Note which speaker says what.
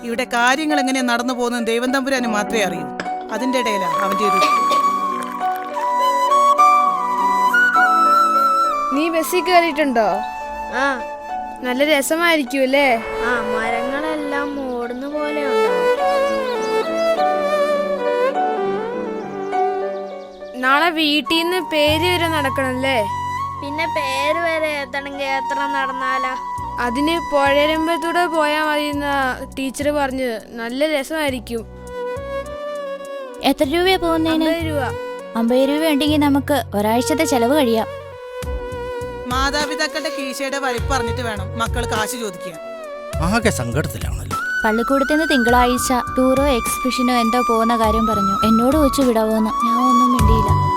Speaker 1: ഇവിടെ കാര്യങ്ങൾ എങ്ങനെയാ നടന്നു പോകുന്നത് ദൈവം തമ്പുരാന് മാത്രമേ അറിയൂ. അതിന്റെ ഇടയിലാണ് അവന്റെ ഒരു
Speaker 2: നീ ബസ്സിൽ കയറിയിട്ടുണ്ടോ?
Speaker 3: ആ,
Speaker 2: നല്ല രസമായിരിക്കും അല്ലേ?
Speaker 3: ആ, മരങ്ങളെല്ലാം ഓടുന്ന പോലെ ഉണ്ടാവും.
Speaker 2: നാളെ വീട്ടിൽ നിന്ന് പേര് വരെ നടക്കണല്ലേ?
Speaker 3: പിന്നെ പേര് വരെ എത്തണമെങ്കിൽ എത്ര നടന്നാലാ?
Speaker 2: അതിന് പുഴരമ്പത്തൂടെ പോയാൽ മതി എന്നാ ടീച്ചർ പറഞ്ഞത്. നല്ല രസമായിരിക്കും.
Speaker 4: എത്ര രൂപയാ പോകുന്നതിന്?
Speaker 2: 50 രൂപ.
Speaker 4: 50 രൂപ ഉണ്ടെങ്കിൽ നമുക്ക് ഒരാഴ്ചത്തെ ചെലവ് കഴിയാം.
Speaker 1: മാതാപിതാക്കളുടെ കീശയുടെ വലിപ്പ് പറഞ്ഞിട്ട് വേണം മക്കൾ കാശ് ചോദിക്കാൻ.
Speaker 5: ആകെ സങ്കടത്തിലാണല്ലോ.
Speaker 4: പള്ളിക്കൂടത്തിൽ നിന്ന് തിങ്കളാഴ്ച ടൂറോ എക്സിബിഷനോ എന്തോ പോകുന്ന കാര്യം പറഞ്ഞു. എന്നോട് വെച്ച് വിടാവോന്ന്. ഞാൻ ഒന്നും മിണ്ടിയില്ല.